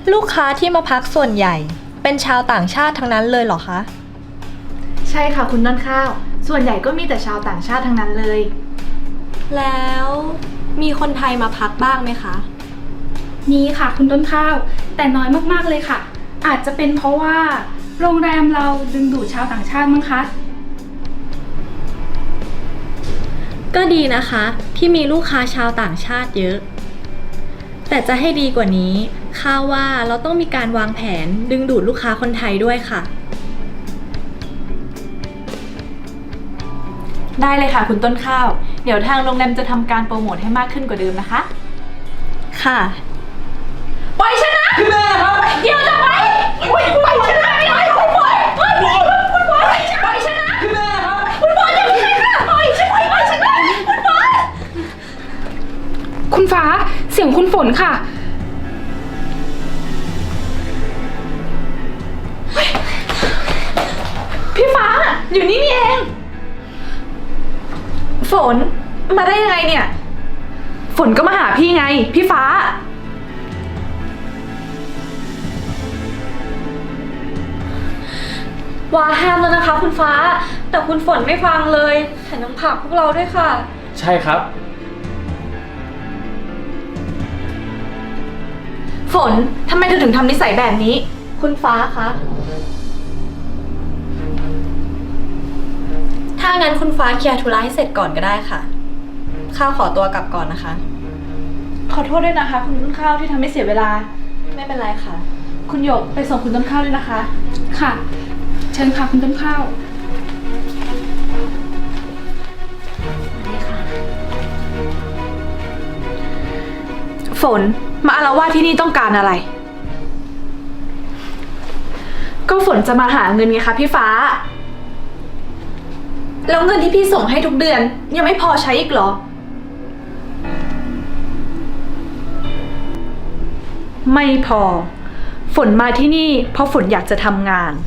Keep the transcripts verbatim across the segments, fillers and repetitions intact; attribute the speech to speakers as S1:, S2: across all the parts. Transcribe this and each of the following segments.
S1: ลูกค้าที่มาพักส่วนใหญ่เป็นชาวต่างชาติทั้งนั้นเลยเหรอคะ
S2: ใช่ค่ะคุณต้นข้าวส่วนใหญ่ก็มีแต่ชาวต่างชาติทั้งนั้นเลย
S1: แล้วมีคนไทยมาพักบ้างไหมคะ
S2: มีค่ะคุณต้นข้าวแต่น้อยมากๆเลยค่ะอาจจะเป็นเพราะว่าโรงแรมเราดึงดูดชาวต่างชาติมั้งคะ
S1: ก็ดีนะคะที่มีลูกค้าชาวต่างชาติเยอะแต่จะให้ดีกว่านี้ข้าว่าเราต้องมีการวางแผนดึงดูดลูกค้าคนไทยด้วยค่ะ
S2: ได้เลยค่ะคุณต้นข้าวเดี๋ยวทางโรงแรมจะทำการโปรโมทให้มากขึ้นกว่าเดิมนะคะ
S1: ค่ะ
S2: ปล่อยฉันนะพี่แม่ครับเดี๋ยวจะไปปล่อยปล่อยฉันนะไม่ได้ปล่อยปล่อยปล่อยปล่อยปล่อยปล่อยฉันนะพี่แม่ครับคุณปล่อยอย่าพี่ค่ะปล่อยฉันปล่อยฉันนะคุณปล่อยคุณฟ้าเสียงคุณฝนค่ะพี่ฟ้าอยู่นี่นี่เองฝนมาได้ยังไงเนี่ยฝนก็มาหาพี่ไงพี่ฟ้า
S1: ว่าห้ามแล้วนะคะคุณฟ้าแต่คุณฝนไม่ฟังเลยแถมยังผลักพวกเราด้วยค่ะ
S3: ใช่ครับ
S2: ฝนทำไมเธอถึงทำนิสัยแบบนี้
S1: คุณฟ้าคะถ้างั้นคุณฟ้าเคลียร์ธุระให้เสร็จก่อนก็ได้ค่ะข้าวขอตัวกลับก่อนนะคะ
S2: ขอโทษด้วยนะคะคุณต้นข้าวที่ทำให้เสียเวลา
S1: ไม่เป็นไรค่ะ
S2: คุณหยกไปส่งคุณต้นข้าวด้วยนะคะค่ะเชิญค่ะคุณต้นข้าวฝนมาอาละวาดที่นี่ต้องการอะไรก็ฝนจะมาหาเงินไงคะพี่ฟ้าแล้วเงินที่พี่ส่งให้ทุกเดือนยังไม่พอใช้อีกเหรอไม่พอฝนมาที่นี่เพราะฝนอยากจะทำงาน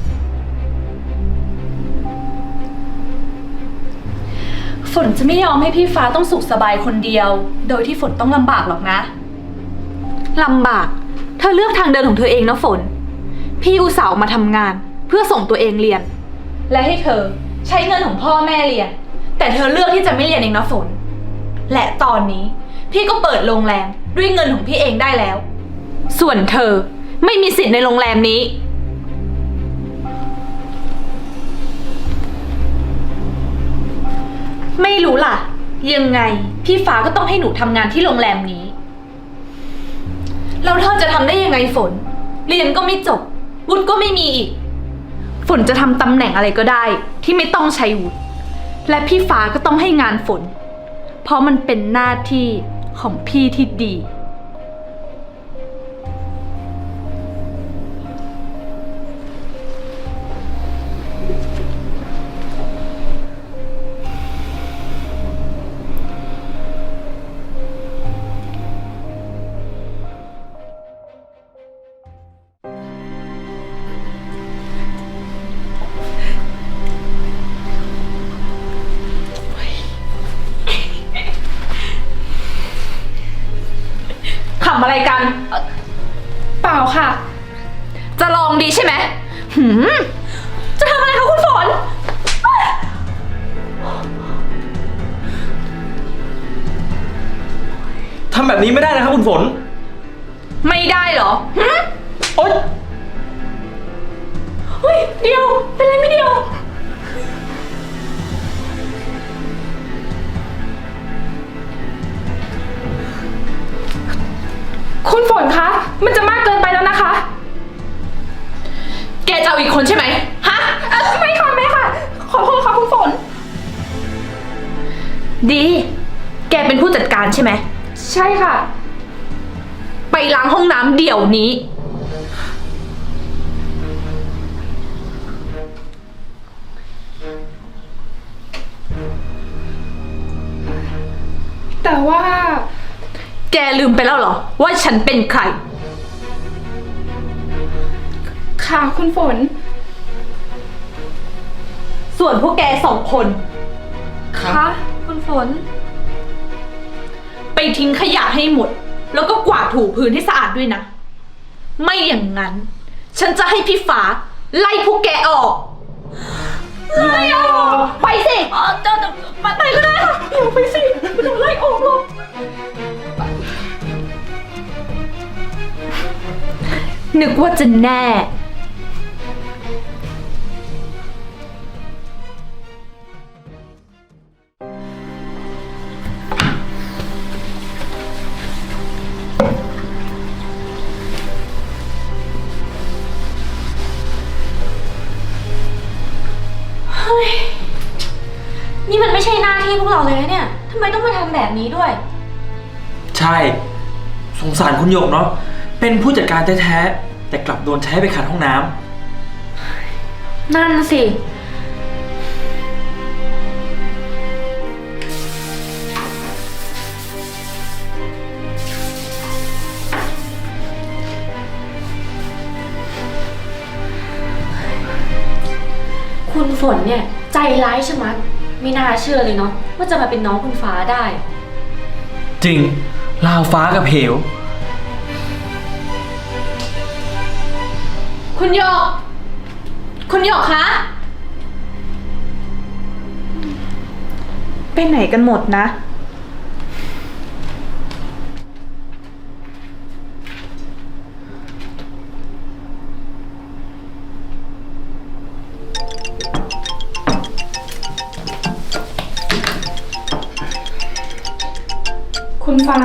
S2: ฝนจะไม่ยอมให้พี่ฟ้าต้องสุขสบายคนเดียวโดยที่ฝนต้องลำบากหรอกนะลำบากเธอเลือกทางเดินของเธอเองนะฝนพี่อุตส่าห์มาทำงานเพื่อส่งตัวเองเรียนและให้เธอใช้เงินของพ่อแม่เรียนแต่เธอเลือกที่จะไม่เรียนเองนะฝนและตอนนี้พี่ก็เปิดโรงแรมด้วยเงินของพี่เองได้แล้วส่วนเธอไม่มีสิทธิ์ในโรงแรมนี้ไม่รู้ล่ะยังไงพี่ฟ้าก็ต้องให้หนูทำงานที่โรงแรมนี้แล้วเธอจะทำได้ยังไงฝนเรียนก็ไม่จบวุฒิก็ไม่มีอีกฝนจะทำตำแหน่งอะไรก็ได้ที่ไม่ต้องใช้วุฒิและพี่ฟ้าก็ต้องให้งานฝนเพราะมันเป็นหน้าที่ของพี่ที่ดีทำอะไรกันเปล่าค่ะจะลองดีใช่ไหมหืมจะทำอะไรคะคุณฝน
S3: ทำแบบนี้ไม่ได้นะครับคุณฝน
S2: ไม่ได้เหรอหืม
S3: โอ๊ย
S2: เฮ้ยเดียวเป็นไรไม่เดียวคุณฝนคะมันจะมากเกินไปแล้วนะคะแกจะเอาอีกคนใช่ไหมฮะไม่ค่ะไม่ค่ะขอโทษค่ะคุณฝนดีแกเป็นผู้จัดการใช่ไหมใช่ค่ะไปล้างห้องน้ำเดี๋ยวนี้แต่ว่าแกลืมไปแล้วเหรอว่าฉันเป็นใครค่ะคุณฝนส่วนพวกแกสองคนคะคุณฝนไปทิ้งขยะให้หมดแล้วก็กวาดถูพื้นให้สะอาดด้วยนะไม่อย่างนั้น ฉันจะให้พี่ฟ้าไล่พวกแกออกไล่ออกไปสิเจ้าไปไปก็ได้ค่ะเดี๋ยวไปสิไม่ต้องไล่ออกหรอกนึกว่าจะแน่
S1: นี่มันไม่ใช่หน้าที่พวกเราเลยนะเนี่ยทำไมต้องมาทำแบบนี้ด้วย
S3: ใช่ สงสารคุณหยกเนาะ เป็นผู้จัดการแท้ๆ แต่กลับโดนใช้ไปขัดห้องน้ำ
S1: นั่นสิ คุณฝนเนี่ยใจร้ายชะมัดไม่น่าเชื่อเลยเนาะว่าจะมาเป็นน้องคุณฟ้าได้
S3: จริงลาวฟ้ากับเหว
S2: คุณหยกคุณหยกคะไปไหนกันหมดนะ
S4: คุณฟ้า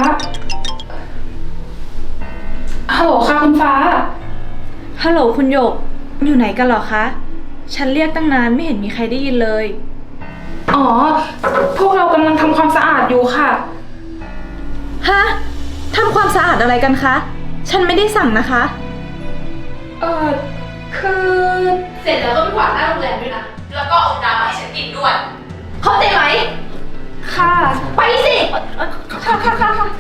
S4: ฮัลโหลค่ะคุณฟ้า
S2: ฮัลโหลคุณหยกอยู่ไหนกันเหรอคะ ฉันเรียกตั้งนานไม่เห็นมีใครได้ยินเลย
S4: อ๋อ พวกเรากำลังทำความสะอาดอยู่ค่ะ
S2: ฮะทำความสะอาดอะไรกันคะ ฉันไม่ได้สั่งนะคะ
S4: เออคือ
S2: เสร็จแล้วก็ไปกวาดหน้าโรงแรมด้วยนะ แล้วก็เอาน้ำมาให้ฉันกินด้วย เข้าใจไหม
S4: ค่ะ
S2: ไปสิค่ะค่ะค่ะค่ะ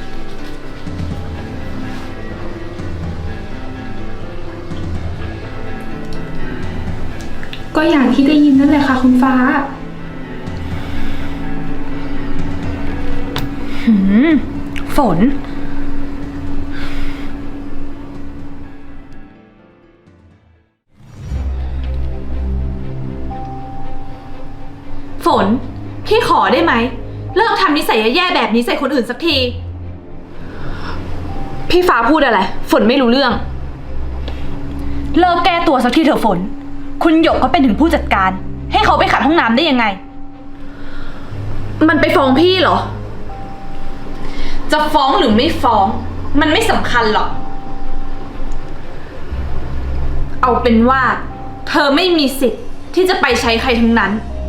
S4: ก็อย่างที่ได้ยินนั่นแหละค่ะคุณฟ้า
S2: หืม ฝน ฝน พี่ขอได้ไหม เลิกทำนิสัยแย่ๆแบบนี้ใส่คนอื่นสักที พี่ฟ้าพูดอะไร ฝนไม่รู้เรื่อง เลิกแก้ตัวสักทีเถอะฝน คุณหยกก็เป็นถึงผู้จัดการ ให้เขาไปขัดห้องน้ำได้ยังไง มันไปฟ้องพี่เหรอ จะฟ้องหรือไม่ฟ้อง มันไม่สำคัญหรอก เอาเป็นว่า เธอไม่มีสิทธิ์ที่จะไปใช้ใครทั้งนั้น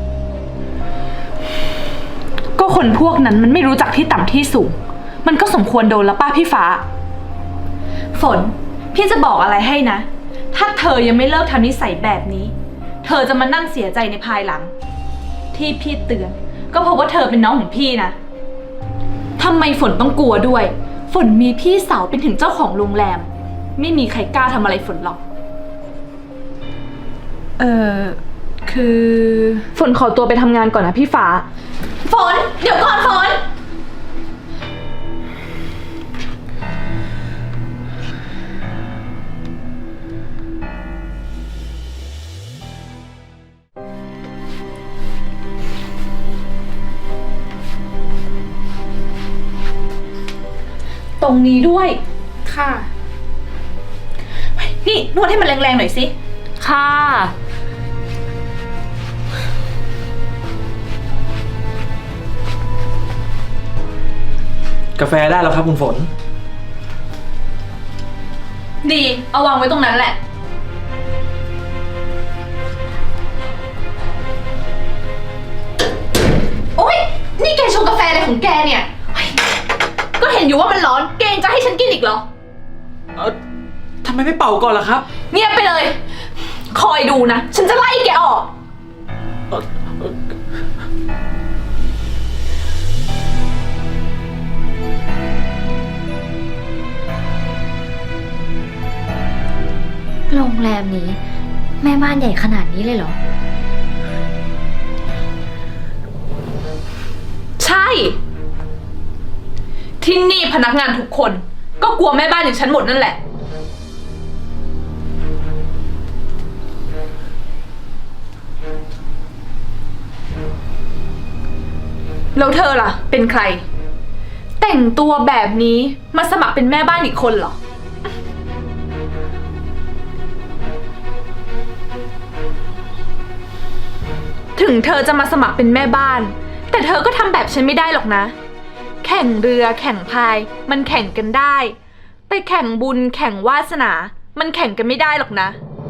S2: ก็คนพวกนั้นมันไม่รู้จักที่ต่ำที่สูง มันก็สมควรโดนแล้วป้าพี่ฟ้า ฝน พี่จะบอกอะไรให้นะ ถ้าเธอยังไม่เลิกทำนิสัยแบบนี้ เธอจะมานั่งเสียใจในภายหลัง ที่พี่เตือน ก็เพราะว่าเธอเป็นน้องของพี่นะทำไมฝนต้องกลัวด้วย ฝนมีพี่สาวเป็นถึงเจ้าของโรงแรม ไม่มีใครกล้าทำอะไรฝนหรอก เออคือ ฝนขอตัวไปทำงานก่อนนะพี่ฟ้า ฝน เดี๋ยวก่อนฝน ตรงนี้ด้วย
S4: ค่ะ
S2: นี่นวดให้มันแรงๆหน่อยสิ
S1: ค่ะ
S3: กาแฟได้แล้วครับคุณฝน
S2: ดี เอาวางไว้ตรงนั้นแหละ โอ๊ย นี่แกชงกาแฟอะไรของแกเนี่ยเฮ้ยก็เห็นอยู่ว่ามันร้อน แกยังจะให้ฉันกินอีกเหรอ
S3: เออทำไมไม่เป่าก่อนล่ะครับ
S2: เงียบไปเลย คอยดูนะ ฉันจะไล่แกออก
S3: เอ่อเอ่อ
S1: โรงแรมนี้แม่บ้านใหญ่ขนาดนี้เลยเหรอ
S2: ใช่ ที่นี่พนักงานทุกคน ก็กลัวแม่บ้านอย่างฉันหมดนั่นแหละแล้วเธอล่ะ เป็นใคร แต่งตัวแบบนี้มาสมัครเป็นแม่บ้านอีกคนเหรอ ถึงเธอจะมาสมัครเป็นแม่บ้าน แต่เธอก็ทำแบบฉันไม่ได้หรอกนะ แข่งเรือแข่งพายมันแข่งกันได้ แต่แข่งบุญแข่งวาสนา มันแข่งกันไม่ได้หรอกนะ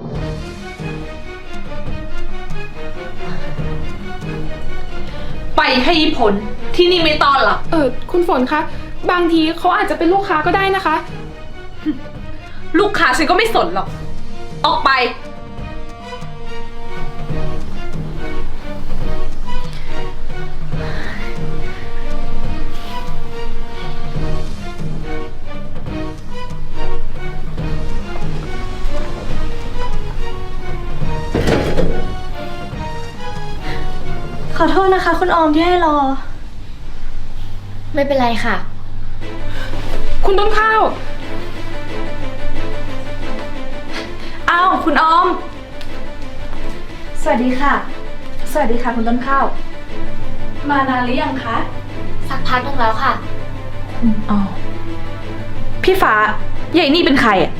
S2: ไปให้พ้นที่นี่ไม่ต้อนหรอก
S4: เออคุณฝนคะ บางทีเขาอาจจะเป็นลูกค้าก็ได้นะคะ
S2: ลูกค้าฉันก็ไม่สนหรอก ออกไป
S1: ขอโทษนะคะ คุณออมที่ให้รอ
S5: ไม่เป็นไรค่ะ
S4: คุณต้นข้าว
S2: อ้าว คุณออม สวัสดีค่ะ สวัสดีค่ะคุณต้นข้าว มานานหรือยังคะ
S5: สักพักหนึงแล้วค่ะ
S2: อ๋อ พี่ฟ้าใหญ่นี่เป็นใครอะ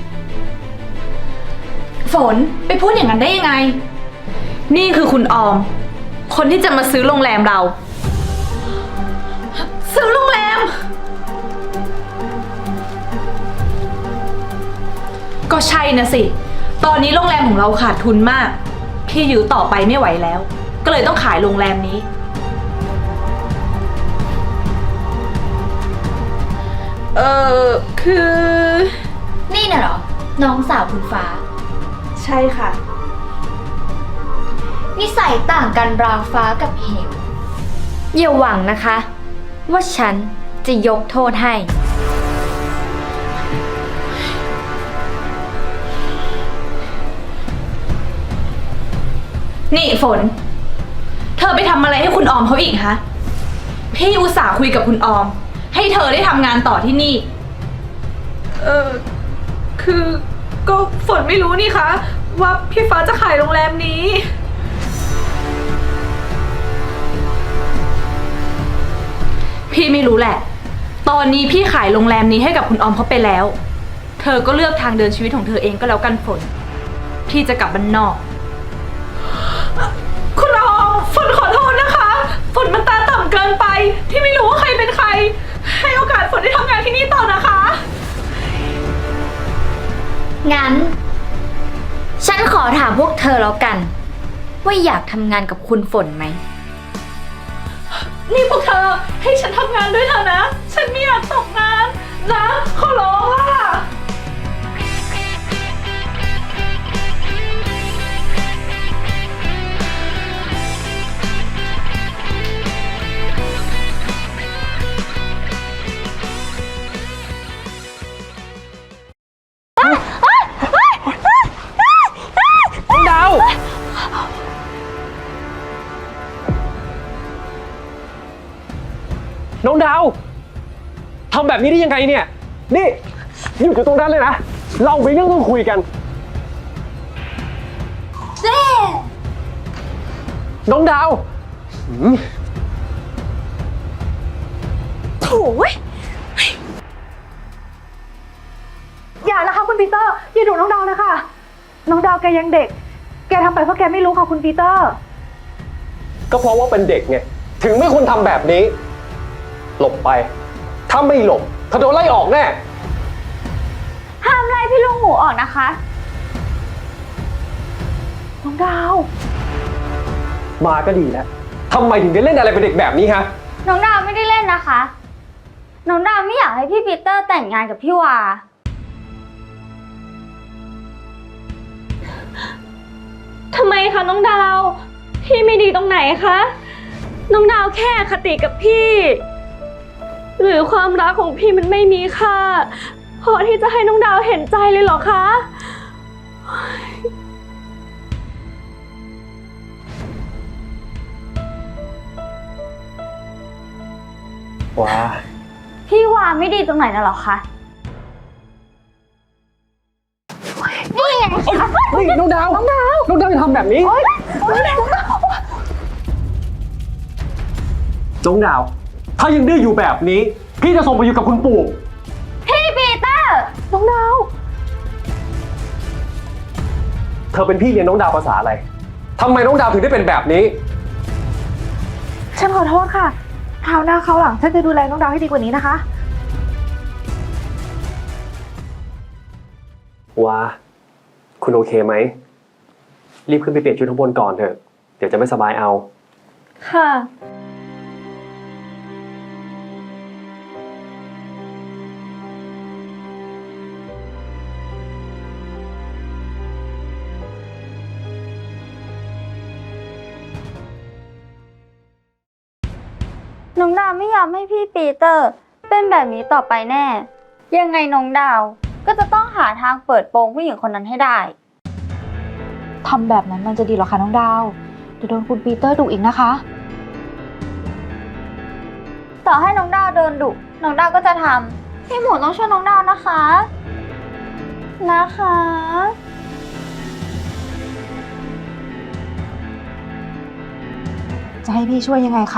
S2: ฝนไปพูดอย่างนั้นได้ยังไง นี่คือคุณออม คนที่จะมาซื้อโรงแรมเรา ซื้อโรงแรม ก็ใช่นะสิ ตอนนี้โรงแรมของเราขาดทุนมาก พี่อยู่ต่อไปไม่ไหวแล้ว ก็เลยต้องขายโรงแรมนี้ เออคือ
S5: นี่น่ะเหรอ น้องสาวคุณฟ้า
S2: ใช่ค่ะ
S5: นิสัยต่างกันราวฟ้ากับเหวอย่าหวังนะคะ ว่าฉันจะยกโทษให้
S2: นี่ฝน เธอไปทำอะไรให้คุณออมเขาอีกฮะ พี่อุตส่าห์คุยกับคุณออม ให้เธอได้ทำงานต่อที่นี่ เออคือก็ฝนไม่รู้นี่คะ ว่าพี่ฟ้าจะขายโรงแรมนี้ พี่ไม่รู้แหละ ตอนนี้พี่ขายโรงแรมนี้ให้กับคุณออมเขาไปแล้ว เธอก็เลือกทางเดินชีวิตของเธอเองก็แล้วกันฝน พี่จะกลับบ้านนอก คุณออมฝนขอโทษนะคะ ฝนมันตาต่ำเกินไป ที่ไม่รู้ว่าใครเป็นใคร ให้โอกาสฝนได้ทำงานที่นี่ต่อนะคะ
S5: งั้น ฉันขอถามพวกเธอแล้วกัน ว่าอยากทำงานกับคุณฝนไหม
S2: นี่พวกเธอให้ฉันทำงานด้วยเถอะนะ ฉันไม่อยากตกงานนะ ขอร้องล่ะ
S3: น้องดาว น้องดาวทำแบบนี้ได้ยังไงเนี่ย นี่อยู่อยู่ตรงนั้นเลยนะ เรามีเรื่องต้องคุยกันเจ๊น้องดาวหืม
S2: โถ่เว้ยอย่านะคะคุณปีเตอร์ อย่าดุน้องดาวนะคะ น้องดาวแกยังเด็ก แกทำไปเพราะแกไม่รู้ค่ะคุณปีเตอร์
S6: ก็เพราะว่าเป็นเด็กไงถึงไม่ควรทำแบบนี้ หลบไป ถ้าไม่หลบเธอโดนไล่ออกแน่
S5: ห้ามไล่พี่ลูกหมูออกนะคะ
S2: น้องดาว
S6: มาก็ดีแล้วทำไมถึงได้เล่นอะไรเป็นเด็กแบบนี้ฮะ
S5: น้องดาวไม่ได้เล่นนะคะ น้องดาวไม่อยากให้พี่ปีเตอร์แต่งงานกับพี่วา
S7: ทำไมคะน้องดาว พี่ไม่ดีตรงไหนคะ น้องดาวแค่อคติกับพี่ หรือความรักของพี่มันไม่มีค่าพอที่จะให้น้องดาวเห็นใจเลยเหรอคะ
S6: ว้า
S5: พี่วาไม่ดีตรงไหนน่ะหรอคะ นี่ไง
S6: เฮ้ยน้องดาว น้องดาว น้องดาวจะทำแบบนี้น้องดาว ถ้ายังดื้ออยู่แบบนี้ พี่จะส่งไปอยู่กับคุณปู่
S5: พี่ปีเตอร์
S2: น้องดาว
S6: เธอเป็นพี่เลี้ยงน้องดาวภาษาอะไรทำไมน้องดาวถึงได้เป็นแบบนี้
S2: ฉันขอโทษค่ะคราวหน้าคราวหลังฉันจะดูแลน้องดาวให้ดีกว่านี้นะคะ
S6: ว้า คุณโอเคไหม รีบขึ้นไปเปลี่ยนชุดข้างบนก่อนเถอะ เดี๋ยวจะไม่สบายเอา
S7: ค่ะ
S5: น้องดาวไม่ยอมให้พี่ปีเตอร์ เป็นแบบนี้ต่อไปแน่ ยังไงน้องดาวก็จะต้องหาทางเปิดโปงผู้หญิงคนนั้นให้ได้
S2: ทำแบบนั้นมันจะดีเหรอคะน้องดาวเดี๋ยวโดนคุณปีเตอร์ดุอีกนะคะ
S5: ต่อให้น้องดาวโดนดุน้องดาวก็จะทำพี่หมูต้องช่วยน้องดาวนะคะ นะคะ
S2: จะให้พี่ช่วยยังไงคะ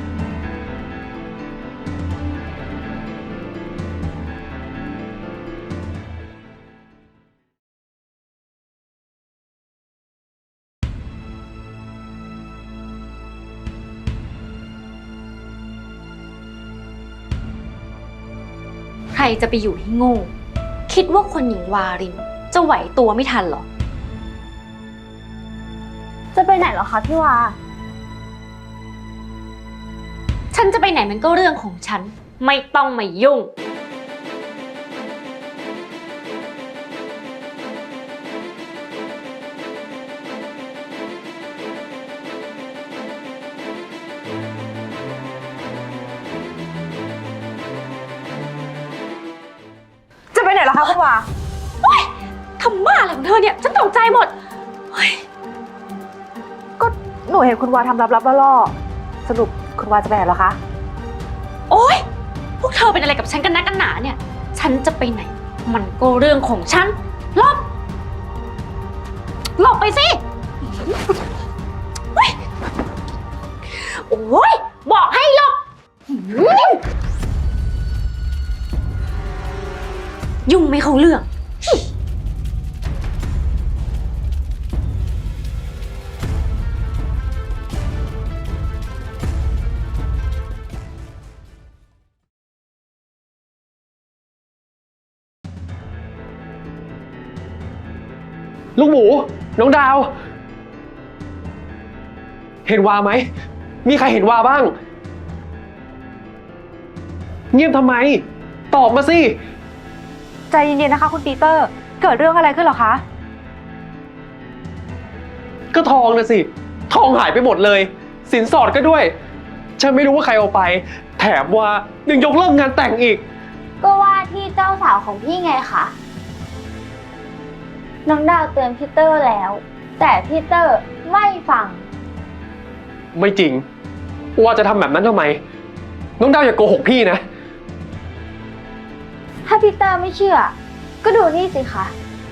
S8: ใครจะไปอยู่ให้โง่ คิดว่าคนหญิงวารินจะไหวตัวไม่ทันหรอ
S5: จะไปไหนเหรอคะพี่วา
S8: ฉันจะไปไหนมันก็เรื่องของฉัน ไม่ต้องมายุ่ง
S2: จะไปไหนเหรอคะคุณวา
S8: ทำบ้าอะไรของเธอเนี่ย ฉันตกใจหมด
S2: ก็หนูเห็นคุณวาทำลับๆล่อๆสรุปคุณวาจะไปไหนเหรอคะ
S8: โอ๊ย พวกเธอเป็นอะไรกับฉันกันนักกันหนาเนี่ย ฉันจะไปไหน มันก็เรื่องของฉันหลบหลบไปสิเฮ้ยโอ๊ย บอกให้หลบยุ่งไม่เข้าเรื่อง
S6: ลูกหมู น้องดาว เห็นวาไหม มีใครเห็นวาบ้าง เงียบทำไม ตอบมาสิ
S2: ใจเย็นๆนะคะคุณปีเตอร์ เกิดเรื่องอะไรขึ้นเหรอคะ
S6: ก็ทองนะสิ ทองหายไปหมดเลย สินสอดก็ด้วย ฉันไม่รู้ว่าใครเอาไป แถมว่ายังยกเลิกงานแต่งอีก
S5: ก็ว่าที่เจ้าสาวของพี่ไงคะ น้องดาวเตือนพี่เตอร์แล้ว แต่พี่เตอร์ไม่ฟัง
S6: ไม่จริง ว่าจะทำแบบนั้นทำไม น้องดาวอย่าโกหกพี่นะ
S5: ถ้าพี่เตอร์ไม่เชื่อ ก็ดูนี่สิคะ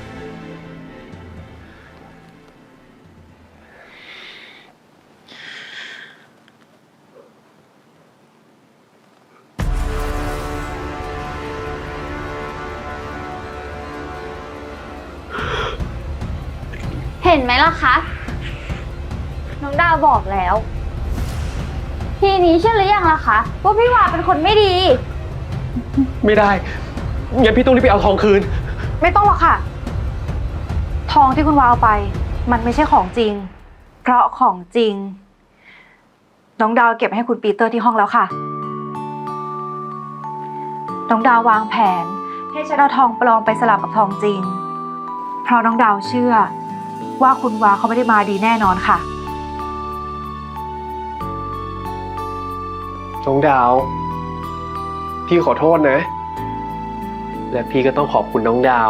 S5: เห็นไหมล่ะคะ น้องดาวบอกแล้ว ทีนี้เชื่อหรือยังล่ะคะว่าพี่วาเป็นคนไม่ดี
S6: ไม่ได้ งั้นพี่ต้องรีบไปเอาทองคืน
S2: ไม่ต้องหรอกค่ะ ทองที่คุณวาเอาไป มันไม่ใช่ของจริง เพราะของจริง น้องดาวเก็บให้คุณปีเตอร์ที่ห้องแล้วค่ะ น้องดาววางแผนให้ฉันเอาทองปลอมไปสลับกับทองจริง เพราะน้องดาวเชื่อ ว่าคุณวาเขาไม่ได้มาดีแน่นอนค่ะ
S6: น้องดาว พี่ขอโทษนะ และพี่ก็ต้องขอบคุณน้องดาว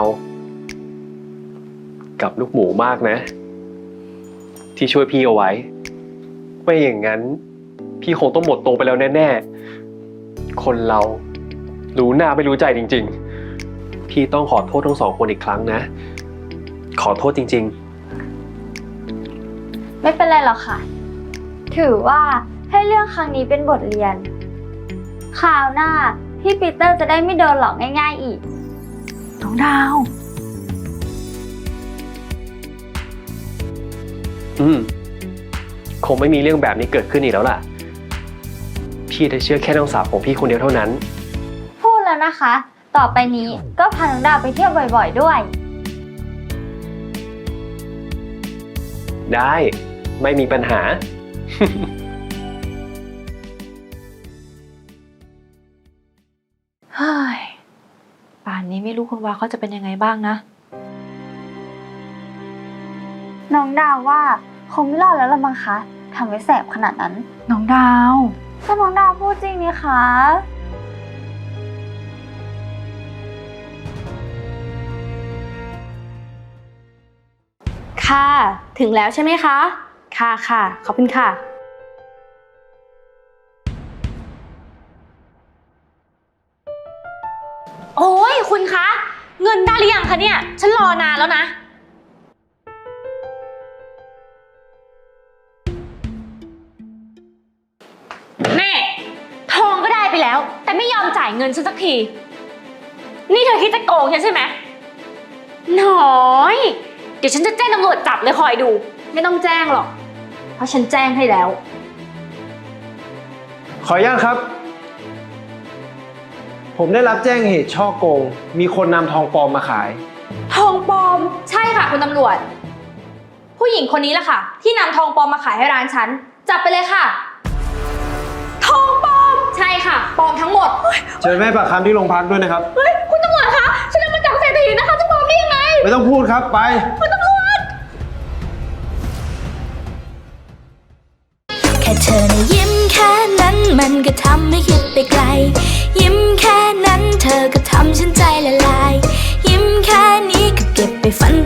S6: กับลูกหมูมากนะ ที่ช่วยพี่เอาไว้ ไม่อย่างนั้น พี่คงต้องหมดตัวไปแล้วแน่ๆ คนเรารู้หน้าไม่รู้ใจจริงๆ พี่ต้องขอโทษทั้งสองคนอีกครั้งนะ ขอโทษจริงๆ
S5: ไม่เป็นไรหรอกค่ะ ถือว่าให้เรื่องครั้งนี้เป็นบทเรียน คราวหน้าพี่ปีเตอร์จะได้ไม่โดนหลอกง่ายๆอีก
S2: น้องดาว
S6: อืม คงไม่มีเรื่องแบบนี้เกิดขึ้นอีกแล้วล่ะ พี่จะเชื่อแค่น้องสาวของพี่คนเดียวเท่านั้น
S5: พูดแล้วนะคะ ต่อไปนี้ก็พาน้องดาวไปเที่ยวบ่อยๆด้วย
S6: ได้ ไม่มีปัญหา
S2: เฮ้ย ป่านนี้ไม่รู้คุณวาเขาจะเป็นยังไงบ้างนะ
S5: น้องดาวว่าคงไม่รอดแล้วละมั้งคะทำไว้แสบขนาดนั้น
S2: น้องดาว
S5: ก็น้องดาวพูดจริงนี่คะ
S7: ค่ะ ถึงแล้วใช่ไหมคะ ค่ะค่ะขอบคุณค่ะ
S8: โอ้ยคุณคะ เงินได้หรือยังคะเนี่ย ฉันรอนานแล้วนะ แม่ ทองก็ได้ไปแล้ว แต่ไม่ยอมจ่ายเงินฉันสักที นี่เธอคิดจะโกงฉันใช่ไหมน้อย เดี๋ยวฉันจะแจ้งตำรวจจับเลยคอยดู ไม่ต้องแจ้งหรอก เพราะฉันแจ้งให้แล้ว
S9: ขออนุญาตครับ ผมได้รับแจ้งเหตุช่อโกง มีคนนำทองปลอมมาขาย
S7: ทองปลอม ใช่ค่ะคุณตำรวจ ผู้หญิงคนนี้แหละค่ะ ที่นำทองปลอมมาขายให้ร้านฉัน จับไปเลยค่ะ ทองปลอม ใช่ค่ะ ปลอมทั้งหมด
S9: เชิญแม่ปากคำที่โรงพักด้วยนะครับ
S7: เฮ้ยคุณตำรวจคะฉันเอามาจากเศรษฐีนะคะจะปลอมได้ยังไง
S9: ไม่ต้องพูดครับไป
S10: แค่เธอนะยิ้มแค่นั้นมันก็ทำให้คิดไปไกล ยิ้มแค่นั้นเธอก็ทำฉันใจละล